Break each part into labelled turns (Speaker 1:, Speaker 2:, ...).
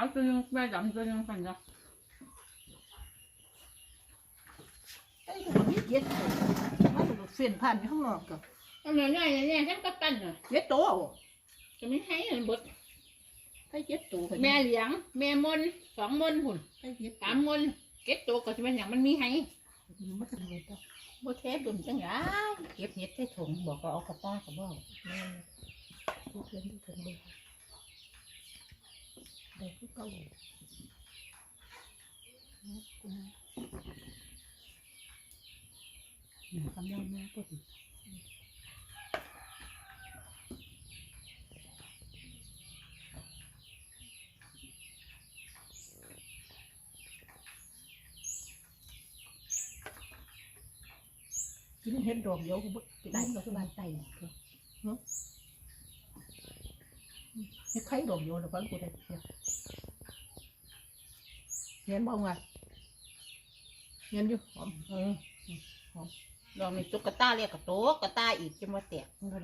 Speaker 1: ตัวนึงแม่ดำตัวนึงกันจ้ะ
Speaker 2: ไอ้ตัวนี้เย็ดมันเส้นผ่านอยู่ข้างนอกกับ
Speaker 1: อันนี้เนี่ยฉันก็ปั้นอ่ะ
Speaker 2: เย็ดโต
Speaker 1: จะไม่ให้เลยบด
Speaker 2: ไอ้เย็ดโต
Speaker 1: แม่เหลียงแม่มน2 มนหุ่น
Speaker 2: ไอ้เย็ด
Speaker 1: 3 มนเก็บตัวก็จะเป็นอย่างมันมีให้
Speaker 2: มันจะเย็ดโต
Speaker 1: บ่เทปดุมจังหวะเก็บเห็ดใส่ถุงบอกก็เอากระป้าก็บอก
Speaker 2: ทุกเรื่องที่ถึงเลยได้ทุกเก้าคำนั้นนะปุ๊บกินเห็ดดอกเดียวก็ได้ดอกบานไตเห็ดไข่ดอกเดียวแล้วก็กูได้เห็นบ้างไงเห็นอยู่หอมหอม
Speaker 1: ลองมีตุ๊กตาเรียกกับโต๊ะกระตาอีกจะมาแตก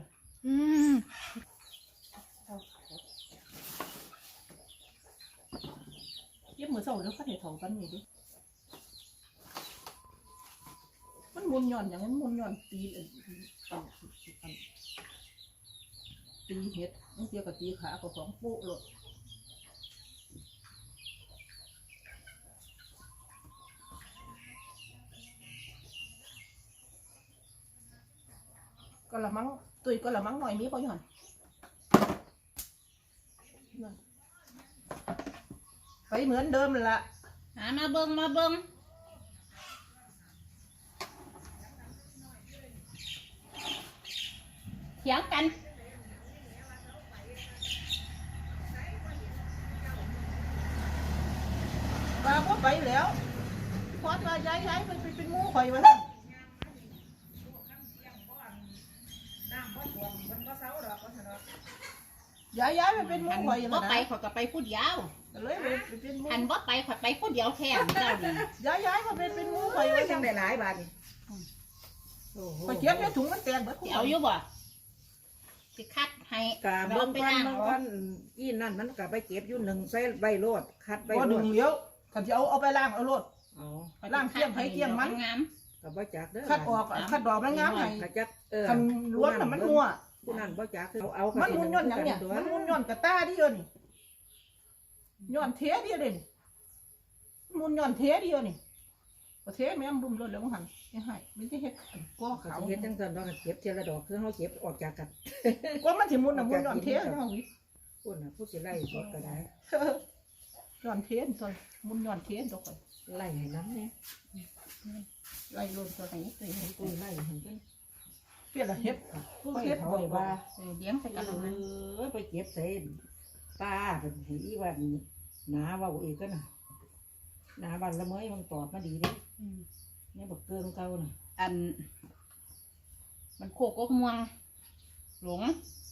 Speaker 2: เย็บมือเสาแล้วก็เห็ดทองกันนี่ดิมันมุนย่อนอย่างนั้นมุนย่อนตีเห็ดมันเกี่ยวกับตีขากับของปุ๊เลยก็ละมั้งตุยก็ละมั้งหน่อยมีป่ะย่อนไปเหมือนเดิมเลยละ
Speaker 1: มาเบิ้งเถียงกัน
Speaker 2: ป้าก็ไปแล้วพอดมาย้ายไปเป็นมูข่อยมาแล้วย้ายไปเป็นมูข่อย
Speaker 1: บ่ไปขอก็ไปพูดยาว
Speaker 2: เลยไปเป็นมู
Speaker 1: อันบ่ไปขอไปพูดเดียวแค่เจ้าดี
Speaker 2: ย้ายมาเป็นมูข่อยไว้
Speaker 3: จังได้หลายบาทนี่
Speaker 2: ไปเก็บในถุงมันแตกเบิด
Speaker 1: เอาอยู่บ่สิคัดให้
Speaker 3: กะบางวันอีนั่นมันกะไปเก็บอยู่1ใส่ใบโลดคัดใบโลด
Speaker 2: ดึงเลี้ยวขันจะเอาไปล้างเอาโลดล้างเกี่ยมไผ่เกี่ยมมัน
Speaker 1: งาม
Speaker 3: กะบ่จักเด้อ
Speaker 2: คัดออกคัดดอกมันงามไงคันล้วนน่ะมันนัว
Speaker 3: ผู้นั้นบ่จักเอา
Speaker 2: มันมุนย้อนอย่างเนี้ยมันมุนย้อนกระต้าดิโยนี่ย้อนเทดิโยนี่มุนย้อนเทดิโยนี่ประเทศแม่บุ้มรถแล้วมั้งหันยังไงไม่ใช่เห็ดก้อขาว
Speaker 3: เฮ็ดจังซั่นดอกเก็บเทียละดอกคือเฮาเก็บออกจากกัน
Speaker 2: ก็มันสิมุนน่ะมุนย้อนเทเนาะวิ
Speaker 3: พุ่นน่ะผู้สิไล่สดก็ได้
Speaker 2: ย้อนเทนตัวมุนย้อนเทนตัวก่อน
Speaker 3: ไล่ให้น้ำเนี่ย
Speaker 2: ไล่ลนตัวไหนตัวไหน
Speaker 3: ตัวไล่ให้เพิ่น
Speaker 2: เปลี่ยนละเฮ็ดเฮ็ดบอกว่า
Speaker 1: เลี้ยงไปกันนั้น
Speaker 3: ไปเก็บใส่ป้าเป็นสีว่าหนาว่าอีกก็น่ะหนาบันละเมยมันตอบมาดีดิเนี่ยบอกเกินเก่าน่ะ
Speaker 1: อันมันโคกม่วงหลง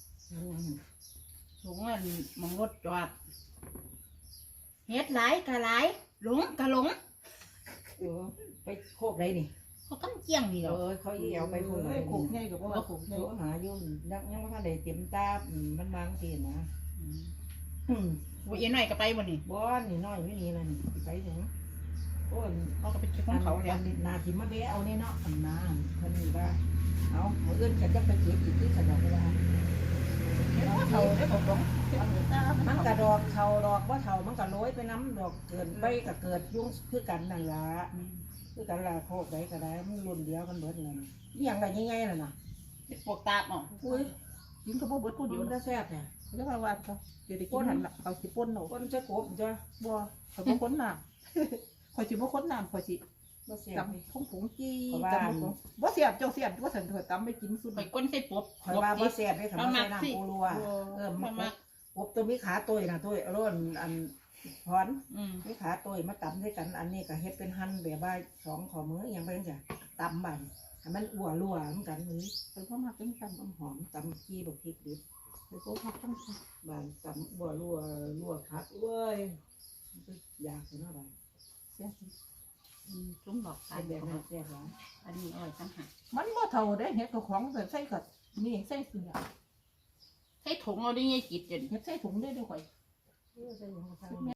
Speaker 1: อันมังรถจอดเฮ็ดหลายกะหลายหลงกะหลง
Speaker 3: ไปโคกไรนี่
Speaker 1: เขากำเจียงนี่เหรอ
Speaker 3: เขาเอี่ยวไปพูดเลย
Speaker 2: โคกใหญ่กับว่าโคกใหญ่
Speaker 3: หาอยู่ยังไม่ทันได้เต็มตามันบางทีนะ
Speaker 1: วันเย็นหน่อยก็ไปวันนี้
Speaker 3: บ้านนี่น้อยไม่มีเลยไปถึงโอ้
Speaker 1: เขาก็ไปเก็บของเขาเนี่ย
Speaker 3: นาทิมาเบะเอาเนี่ยเนาะนาคนนี้ว่าเอาเอื้อนกันจะไปเก็บอีกที่สะดอกเวลา
Speaker 2: เขาได้บอกว่า
Speaker 3: มันกระดอกเขาดอกว่าเขามันกระโรยไปน้ำดอกเกินไปกับเกิดยุ่งคือกันนั่นละคือกันละโคกไรก็ได้มันรุ่นเดียวกันเบิดเลยอย่างไรง่ายๆน่ะนะ
Speaker 1: ปวกตาอ๋อ
Speaker 2: อุ้ยยิงกระโปงเบิดพูดอยู่
Speaker 3: ก็แซ่บเนี่ย
Speaker 2: แล้วว่าว่าเขาเดี๋ยวได้กินหันละเขาสิป้นหนู
Speaker 3: ป้นจะกบจ้ะ
Speaker 2: บัวเขาป้นน้ำคอยสิบ่ค้นน้ำคอยสิจำผงจีจำบ่เสียบเจ้าเสียบว่าสันเถิดตำไม่กินสุด
Speaker 1: ไปก้นใส่ปบ
Speaker 3: คอยว่าบ่เสียบได้ทำให้น้ำปูรัวมันปบตัวมีขาตัวนะตัวร้อนอันพรมีขาตัวมาตำด้วยกันอันนี้ก็เฮ็ดเป็นหั่นแบบว่า2ข้อมืออย่างเป็นจ้ะตำบั่นให้มันอั่วรัวเหมือนกันนี้
Speaker 2: เป็นข้าวหมักเป็นกัน
Speaker 3: หอมตำขี้บักพริกดิบ
Speaker 2: เป็นข้าวผัดต้อง
Speaker 3: บั่นตำอั่วรัวคักเว้ยอยากเนาะบั่น
Speaker 2: เสีย
Speaker 1: จุ่มดอก
Speaker 3: ตาลแบบนั้นแซ่บหวาน
Speaker 1: อันนี้อร่อยจังหะ
Speaker 2: มันบ่เท่าได้เห็ดตัวของแบบใส่กัดนี่ใส่เสือ
Speaker 1: ใส่ถุงเอาได้ยังกินจน
Speaker 2: เห็ดใส่ถุงได้ด้วยข่อย